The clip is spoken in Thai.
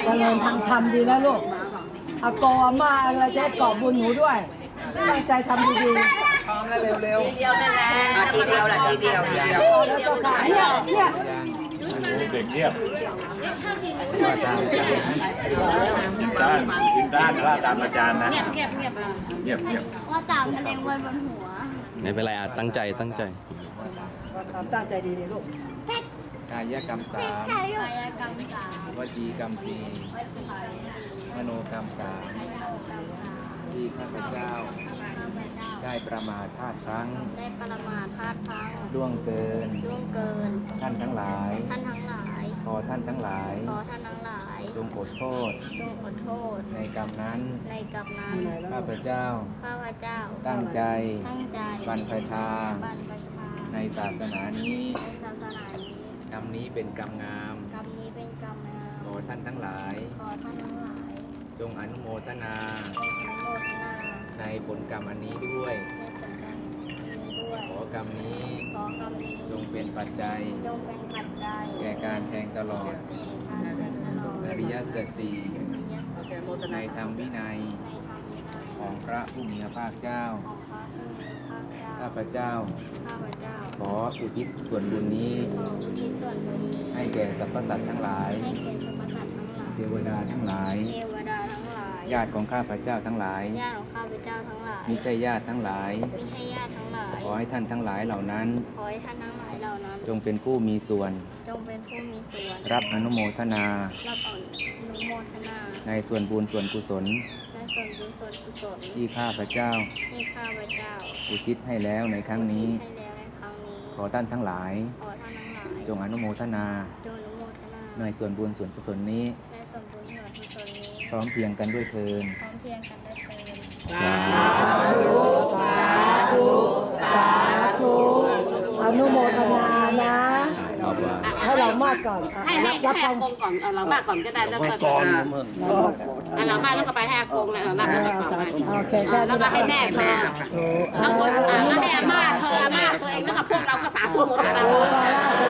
เริญทางธรรมดีแล้วลูกอากงอาม่าอะไรจะให้กอบบุญหนูด้วยตั้งใจทำดีๆพร้อมแล้วเร็วๆทีเดียวนั่นแหละทีเดียวแหละทีเดียวแล้วเจ้าค่ะเนี่ยเด็กเงียบว่าตามกินด้านว่าตามอาจารย์นะเงียบเงียบว่าตามแมลงวันบนหัวไม่เป็นไรตั้งใจตั้งใจดีๆลูกกายกรรม 3 กายกรรมวจีกรรม 4 มโนกรรม 3 ที่ข้าพเจ้าได้ประมาทพลาดพลั้งล่วงเกินท่านทั้งหลายขอท่านทั้งหลายจงขอโทษในกรรมนั้นข้าพเจ้าตั้งใจบรรพชาในศาสนานี้กรรมนี้เป็นกรรมงามขอท่านทั้งหลายจงอนุโมทนาในผลกรรมอันนี้ด้วยขอกรรมนี้จงเป็นปัจจัยแก่การแทงตลอดอริยสัจสี่ในธรรมวินัยของพระผู้มีพระภาคเจ้าข้าพเจ้าขออุทิศส่วนบุญนี้ให้แก่สรรพสัตว์ทั้งหลายเทวดาทั้งหลายญาติของข้าพเจ้าทั้งหลายมิใช่ญาติทั้งหลายขอให้ท่านทั้งหลายเหล่านั้นจงเป็นผู้มีส่วนรับอนุโมทนาในส่วนบุญส่วนกุศลที่ข้าพเจ้าอุทิศให้แล้วในครั้งนี้ขอท่านทั้งหลายจงอนุโมทนาในส่วนบุญส่วนกุศลนี้พร้อมเพียงกันด้วยเทินสาธุอนุโมทนานะให้เรามากก่อนให้อากงก่อนเรามากก่อนก็ได้แล้วก็เรามากแล้วก็ไปให้อากงเลยเรามากโอเคแค่แล้วก็ให้แม่เธอแล้วคนแล้วให้อาม่าเธอเองแล้วก็พวกเราก็สาธุหมด